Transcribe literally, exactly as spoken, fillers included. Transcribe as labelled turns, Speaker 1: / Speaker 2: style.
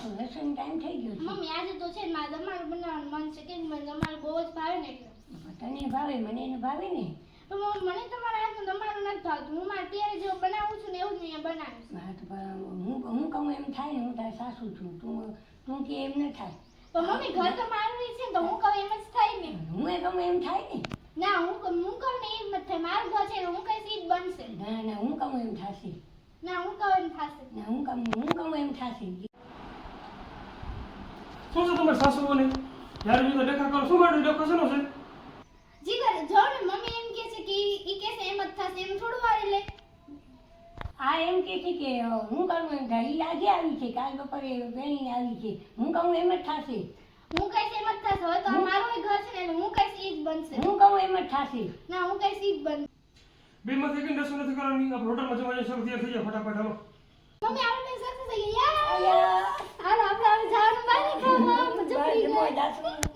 Speaker 1: તો રસોઈનો ટાઈમ થઈ ગયો છે.
Speaker 2: મમ્મી આજે તો છે ને મારે દમાલ બનાવવાનું મન છે કે મને દમાલ બહુ જ ભાવે ને એટલે.
Speaker 1: તને ભાવે મને એને ભાવે ને.
Speaker 2: તો મમ્મી મને તમારા હાથનું દમાલ નથી ભાવતું. હું મારે ત્યારે જેવું બનાવું છું ને એવું જ અહીંયા બનાવીશ.
Speaker 1: હા તો પણ હું હું કહું એમ થાય ને. હું તારી સાસુ છું. તું તું કે એમ ન થાય.
Speaker 2: તો મમ્મી ઘર તો મારું છે ને તો હું કહું એમ જ થાય ને.
Speaker 1: હું એ કહું એમ થાય ને.
Speaker 2: ના હું કહું હું કહું ને એમ જ થાય. મારું ઘર છે હું કઈ સીધ બનશે.
Speaker 1: ના ના હું કહું એમ થશે.
Speaker 2: ના હું કહું એમ થશે.
Speaker 1: ના હું કહું હું કહું એમ થશે.
Speaker 3: શું છે તમારી સાસુઓને જ્યારે બીજો દેખા કરો શું માટે દેખો છે છે
Speaker 2: જીગર જો ને મમ્મી એમ કહે છે કે ઈ કહે છે એમ જ થશે એમ થોડું વાર લે.
Speaker 1: આ એમ કે છે કે હું કહું એમ થાય. એ આજે આવી છે કાલ બપોરે વેણી આવી છે. હું કહું એમ જ થશે.
Speaker 2: હું કઈશ એમ જ થશે. હવે તો આ મારું ઘર છે ને એટલે હું કઈશ ઈ જ બનશે.
Speaker 1: હું કહું એમ જ થશે.
Speaker 2: ના હું કઈશ ઈ જ બનશે.
Speaker 3: બે માંથી કઈ રસોઈ નથી કરવાની આપણે હોટલમાં જવા જઈએ સર તૈયાર થઈ જાય ફટાફટ હાલો
Speaker 2: મમ્મી આપણે સક્સેસ થઈ ગયા.
Speaker 1: યાર
Speaker 2: હાલ આપણે હવે જવાનું બહાર ખાવા. મજા પડી
Speaker 1: મોજ
Speaker 2: ગઈ.
Speaker 1: આસું